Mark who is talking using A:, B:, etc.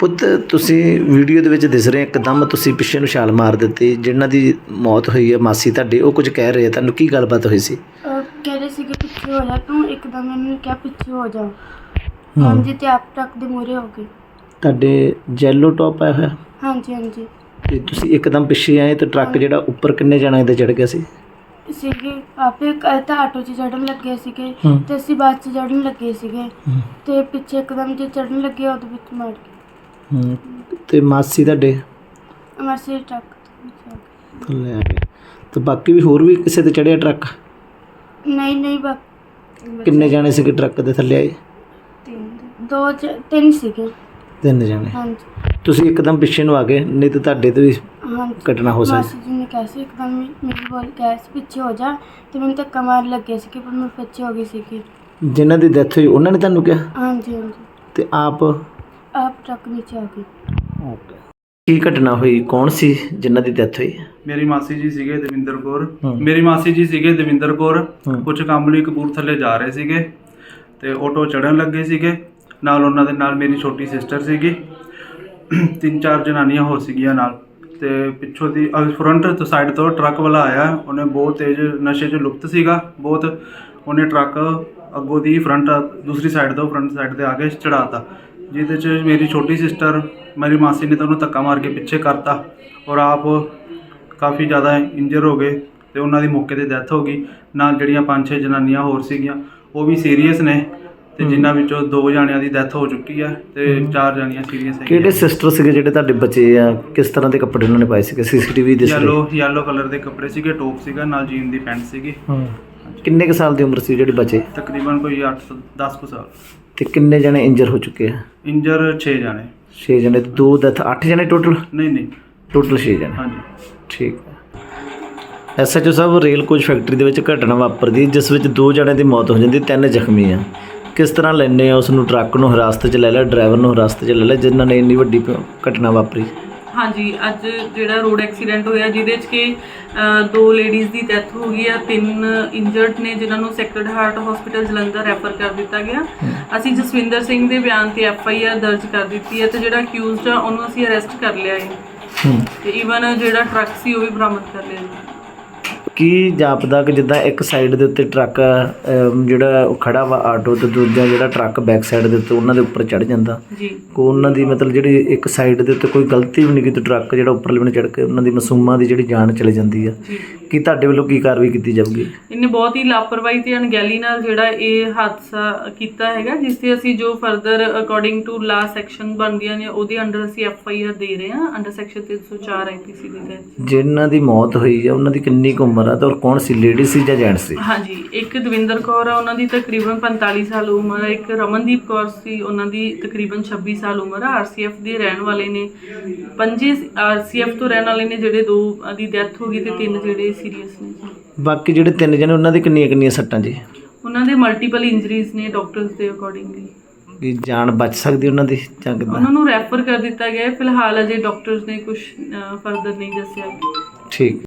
A: ਪੁੱਤ ਤੁਸੀਂ ਵੀਡੀਓ ਦੇ ਵਿੱਚ ਦਿਸ ਰਹੇ ਇੱਕਦਮ ਤੁਸੀਂ ਪਿੱਛੇ ਨੂੰ ਛਾਲ ਮਾਰ ਦਿੱਤੀ। ਜਿਨ੍ਹਾਂ ਦੀ ਮੌਤ ਹੋਈ ਹੈ ਮਾਸੀ ਤੁਹਾਡੇ, ਉਹ ਕੁਝ ਕਹਿ ਰਹੇ ਆ, ਤੁਹਾਨੂੰ ਕੀ ਗੱਲਬਾਤ ਹੋਈ ਸੀ?
B: ਕਹਿ ਰਹੇ ਸੀ ਕਿ ਪਿੱਛੇ ਹੋ ਜਾ ਤੂੰ, ਇੱਕਦਮ ਮੈਨੂੰ ਕਿਹਾ ਪਿੱਛੇ ਹੋ ਜਾ। ਹਾਂਜੀ ਤੇ ਆਪ ਟਰੱਕ ਦੇ ਮੂਹਰੇ ਹੋ ਗਏ।
A: ਤੁਹਾਡੇ ਜੈਲੋ ਟੌਪ ਪਾਇਆ ਹੋਇਆ
B: ਹਾਂਜੀ ਹਾਂਜੀ
A: ਤੇ ਤੁਸੀਂ ਇੱਕਦਮ ਪਿੱਛੇ ਆਏ ਤੇ ਟਰੱਕ ਜਿਹੜਾ ਉੱਪਰ ਕਿੰਨੇ ਜਣਿਆਂ ਦੇ ਚੜ੍ਹ ਗਿਆ ਸੀ?
B: ਸੀਗੇ ਆਪੇ ਤਾਂ ਆਟੋ 'ਚ ਚੜ੍ਹਨ ਲੱਗੇ ਸੀਗੇ ਤੇ ਅਸੀਂ ਬੱਸ 'ਚ ਚੜ੍ਹਨ ਲੱਗੇ ਸੀਗੇ ਤੇ ਪਿੱਛੇ ਇੱਕਦਮ ਜੇ ਚੜ੍ਹਨ ਲੱਗੇ ਉਹਦੇ ਵਿੱਚ ਮਾਰ ਗਏ।
A: ਤੇ ਮਾਸੀ ਤੁਹਾਡੇ
B: ਮਾਸੀ ਟਰੱਕ
A: ਥੱਲੇ ਆ ਗਏ ਤੇ ਬਾਕੀ ਵੀ ਹੋਰ ਵੀ ਕਿਸੇ ਤੇ ਚੜ੍ਹਿਆ ਟਰੱਕ?
B: ਨਹੀਂ
A: ਕਿੰਨੇ ਜਾਣੇ ਸੀਗੇ ਟਰੱਕ ਦੇ ਥੱਲੇ ਆਏ?
B: ਤਿੰਨ ਸੀਗੇ।
A: 3 ਜਣੇ।
B: ਹਾਂਜੀ
A: ਤੁਸੀਂ ਇੱਕਦਮ ਪਿੱਛੇ ਨੂੰ ਆ ਗਏ, ਨਹੀਂ ਤਾਂ ਤੁਹਾਡੇ ਤੇ ਵੀ
B: ਹਾਂਜੀ
A: ਘਟਨਾ ਹੋ ਸਕਦੀ।
B: ਮਾਸੀ ਜੀ ਨੇ ਕਿਹਾ ਸੀ ਇੱਕਦਮ ਮੇਰੀ ਬੋਲ ਕਿਹਾ ਸੀ ਪਿੱਛੇ ਹੋ ਜਾ ਤੇ ਮੈਨੂੰ ਧੱਕਾ ਮਾਰ ਲੱਗੇ ਸੀ ਕਿ ਪਰ ਮੈਂ ਪਿੱਛੇ ਹੋ ਗਈ ਸੀਗੀ।
A: ਜਿਨ੍ਹਾਂ ਦੀ ਡੈਥ ਹੋਈ ਉਹਨਾਂ ਨੇ ਤੁਹਾਨੂੰ ਕਿਹਾ?
B: ਹਾਂਜੀ ਹਾਂਜੀ
A: ਤੇ ਆਪ
B: ਟਰੱਕ ਨੀਚੇ ਆ ਗਈ।
A: ਕੀ ਘਟਨਾ ਹੋਈ? ਕੌਣ ਸੀ ਜਿਨ੍ਹਾਂ ਦੀ ਡੈਥ ਹੋਈ?
C: ਮੇਰੀ ਮਾਸੀ ਜੀ ਸੀਗੇ ਦਵਿੰਦਰ ਕੌਰ। ਕੁਝ ਕੰਮ ਲਈ ਕਪੂਰਥਲੇ ਜਾ ਰਹੇ ਸੀਗੇ ਤੇ ਆਟੋ ਚੜ੍ਹਨ ਲੱਗੇ ਸੀਗੇ। ਨਾਲ ਉਹਨਾਂ ਦੇ ਨਾਲ ਮੇਰੀ ਛੋਟੀ ਸਿਸਟਰ ਸੀਗੀ, 3-4 ਜਨਾਨੀਆਂ ਹੋਰ ਸੀਗੀਆਂ ਨਾਲ। ਤੇ ਪਿੱਛੋਂ ਦੀ ਫਰੰਟ ਤੋਂ ਸਾਈਡ ਤੋਂ ਟਰੱਕ ਵਾਲਾ ਆਇਆ। ਉਹਨੇ ਬਹੁਤ ਤੇਜ਼ ਨਸ਼ੇ 'ਚ ਲੁਪਤ ਸੀਗਾ ਬਹੁਤ। ਉਹਨੇ ਟਰੱਕ ਅੱਗੋਂ ਦੀ ਦੂਸਰੀ ਸਾਈਡ ਤੋਂ ਫਰੰਟ ਸਾਈਡ 'ਤੇ ਆ ਕੇ ਚੜ੍ਹਾਤਾ, ਜਿਹਦੇ 'ਚ ਮੇਰੀ ਛੋਟੀ ਸਿਸਟਰ ਮੇਰੀ ਮਾਸੀ ਨੇ ਤਾਂ ਉਹਨੂੰ ਧੱਕਾ ਮਾਰ ਕੇ ਪਿੱਛੇ ਕਰਤਾ ਔਰ ਆਪ ਕਾਫੀ ਜ਼ਿਆਦਾ ਇੰਜਰ ਹੋ ਗਏ ਤੇ ਉਹਨਾਂ ਦੀ ਮੌਕੇ 'ਤੇ ਡੈਥ ਹੋ ਗਈ। ਨਾਲ ਜਿਹੜੀਆਂ 5-6 ਜਨਾਨੀਆਂ ਹੋਰ ਸੀਗੀਆਂ ਉਹ ਵੀ ਸੀਰੀਅਸ ਨੇ ਤੇ ਜਿਨ੍ਹਾਂ ਵਿੱਚੋਂ 2 ਜਣਿਆਂ ਦੀ ਡੈਥ ਹੋ ਚੁੱਕੀ ਹੈ ਤੇ 4 ਜਣੀਆਂ ਸੀਰੀਅਸ ਹੈ।
A: ਕਿਹੜੇ ਸਿਸਟਰ ਸੀਗੇ ਜਿਹੜੇ ਤੁਹਾਡੇ ਬੱਚੇ ਆ? ਕਿਸ ਤਰ੍ਹਾਂ ਦੇ ਕੱਪੜੇ ਉਹਨਾਂ ਨੇ ਪਾਏ ਸੀਗੇ? CCTV ਦੇ
C: ਯੈਲੋ ਕਲਰ ਦੇ ਕੱਪੜੇ ਸੀਗੇ, ਟੋਪ ਸੀਗਾ, ਨਾਲ ਜੀਨ ਦੀ ਪੈਂਟ ਸੀਗੀ।
A: ਕਿੰਨੇ ਕੁ ਸਾਲ ਦੀ ਉਮਰ ਸੀ ਜਿਹੜੇ ਬੱਚੇ?
C: ਤਕਰੀਬਨ ਕੋਈ 8-10 ਕੁ ਸਾਲ।
A: ਤੇ ਕਿੰਨੇ ਜਣੇ ਇੰਜਰ ਹੋ ਚੁੱਕੇ ਆ?
C: ਇੰਜਰ 6 ਜਣੇ।
A: 6 ਜਣੇ ਤੇ 2 ਡੈਥ, 8 ਜਣੇ ਟੋਟਲ?
C: ਨਹੀਂ
A: ਟੋਟਲ 6 ਜਣੇ।
C: ਹਾਂਜੀ
A: ਠੀਕ ਹੈ। SHO ਸਾਹਿਬ, ਰੇਲ ਕੋਚ ਫੈਕਟਰੀ ਦੇ ਵਿੱਚ ਘਟਨਾ ਵਾਪਰਦੀ ਜਿਸ ਵਿੱਚ 2 ਜਣਿਆਂ ਦੀ ਮੌਤ ਹੋ ਜਾਂਦੀ, 3 ਜ਼ਖਮੀ ਆ। ਕਿਸ ਤਰ੍ਹਾਂ ਲੈਂਦੇ ਆ ਉਸ ਨੂੰ? ਟਰੱਕ ਨੂੰ ਹਿਰਾਸਤ 'ਚ ਲੈ ਲਿਆ, ਡਰਾਈਵਰ ਨੂੰ ਹਿਰਾਸਤ 'ਚ ਲੈ ਲਿਆ, ਜਿਨ੍ਹਾਂ ਨੇ ਇੰਨੀ ਵੱਡੀ ਘਟਨਾ ਵਾਪਰੀ?
D: ਹਾਂਜੀ, ਅੱਜ ਜਿਹੜਾ ਰੋਡ ਐਕਸੀਡੈਂਟ ਹੋਇਆ ਜਿਹਦੇ 'ਚ ਕਿ 2 ਲੇਡੀਜ਼ ਦੀ ਡੈਥ ਹੋ ਗਈ ਆ, 3 ਇੰਜਰਡ ਨੇ ਜਿਨ੍ਹਾਂ ਨੂੰ Sacred Heart hospital Jalandhar refer ਕਰ ਦਿੱਤਾ ਗਿਆ। ਅਸੀਂ ਜਸਵਿੰਦਰ ਸਿੰਘ ਦੇ ਬਿਆਨ ਤੇ FIR ਦਰਜ ਕਰ ਦਿੱਤੀ ਹੈ ਤੇ ਜਿਹੜਾ ਅਕਿਊਜ਼ਡ ਆ ਉਹਨੂੰ ਅਸੀਂ ਅਰੈਸਟ ਕਰ ਲਿਆ ਹੈ ਤੇ ਈਵਨ ਜਿਹੜਾ ਟਰੱਕ ਸੀ ਉਹ ਵੀ ਬਰਾਮਦ ਕਰ ਲਿਆ ਜੀ।
A: ਕੀ ਜਾਪਦਾ ਕਿ ਜਿੱਦਾਂ ਇੱਕ ਸਾਈਡ ਦੇ ਉੱਤੇ ਟਰੱਕ ਜਿਹੜਾ ਉਹ ਖੜਾ ਵਾ ਆਟੋ ਤੇ ਦੂਜਾ ਜਿਹੜਾ ਟਰੱਕ ਬੈਕ ਸਾਈਡ ਦੇ ਉੱਤੇ ਉਹਨਾਂ ਦੇ ਉੱਪਰ ਚੜ੍ਹ ਜਾਂਦਾ
D: ਜੀ,
A: ਕੋ ਉਹਨਾਂ ਦੀ ਮਤਲਬ ਜਿਹੜੀ ਇੱਕ ਸਾਈਡ ਦੇ ਉੱਤੇ ਕੋਈ ਗਲਤੀ ਵੀ ਨਹੀਂ ਕੀਤੀ, ਟਰੱਕ ਜਿਹੜਾ ਉੱਪਰਲੇ ਬੰਨੇ ਚੜ੍ਹ ਕੇ ਉਹਨਾਂ ਦੀ ਮਾਸੂਮਾਂ ਦੀ ਜਿਹੜੀ ਜਾਨ ਚਲੀ ਜਾਂਦੀ ਆ, ਕੀ ਤੁਹਾਡੇ ਵੱਲੋਂ ਕੀ ਕਾਰਵਾਈ ਕੀਤੀ ਜਾਊਗੀ?
D: ਇਹਨੇ ਬਹੁਤ ਹੀ ਲਾਪਰਵਾਹੀ ਤੇ ਅਣਗਹਿਲੀ ਨਾਲ ਜਿਹੜਾ ਇਹ ਹਾਦਸਾ ਕੀਤਾ ਹੈਗਾ, ਜਿਸ ਤੇ ਅਸੀਂ ਜੋ further according to law section ਬਣਦੀਆਂ ਨੇ ਉਹਦੇ ਅੰਡਰ ਅਸੀਂ FIR ਦੇ ਰਹੇ ਹਾਂ ਅੰਡਰ ਸੈਕਸ਼ਨ 304 IPC ਦੇ ਤਹਿਤ।
A: ਜਿਨ੍ਹਾਂ ਦੀ ਮੌਤ ਹੋਈ ਆ ਉਹਨਾਂ ਦੀ ਕਿੰਨੀ ਕੁ ਉਮਰ ਆ ਤੇ ਔਰ ਕੌਣ ਸੀ? ਲੇਡੀ ਸੀ ਜਾਂ ਜੈਂਟ ਸੀ?
D: ਹਾਂਜੀ, ਇੱਕ ਦਵਿੰਦਰ ਕੌਰ ਆ, ਉਹਨਾਂ ਦੀ ਤਕਰੀਬਨ 45 ਸਾਲ ਉਮਰ ਹੈ। ਇੱਕ ਰਮਨਦੀਪ ਕੌਰ ਸੀ, ਉਹਨਾਂ ਦੀ ਤਕਰੀਬਨ 26 ਸਾਲ ਉਮਰ ਆ। RCF ਦੇ ਰਹਿਣ ਵਾਲੇ ਨੇ। 5 RCF ਤੋਂ ਰਹਿਣ ਵਾਲੇ ਨੇ ਜਿਹੜੇ 2 ਦੀ ਡੈਥ ਹੋ ਗਈ ਤੇ 3 ਜਿਹੜੇ ਸੀਰੀਅਸ ਨੇ।
A: ਬਾਕੀ ਜਿਹੜੇ 3 ਜਣੇ ਉਹਨਾਂ ਦੇ ਕਿੰਨੀਆਂ ਸੱਟਾਂ ਜੀ?
D: ਉਹਨਾਂ ਦੇ ਮਲਟੀਪਲ ਇੰਜਰੀਜ਼ ਨੇ ਡਾਕਟਰਸ ਦੇ ਅਕੋਰਡਿੰਗਲੀ।
A: ਕੀ ਜਾਨ ਬਚ ਸਕਦੀ ਉਹਨਾਂ ਦੀ ਜਾਂ ਕਿੱਦਾਂ?
D: ਉਹਨਾਂ ਨੂੰ ਰੈਫਰ ਕਰ ਦਿੱਤਾ ਗਿਆ ਹੈ। ਫਿਲਹਾਲ ਅਜੇ ਡਾਕਟਰਸ ਨੇ ਕੁਝ ਫਰਦਰ ਨਹੀਂ ਦੱਸਿਆ।
A: ਠੀਕ।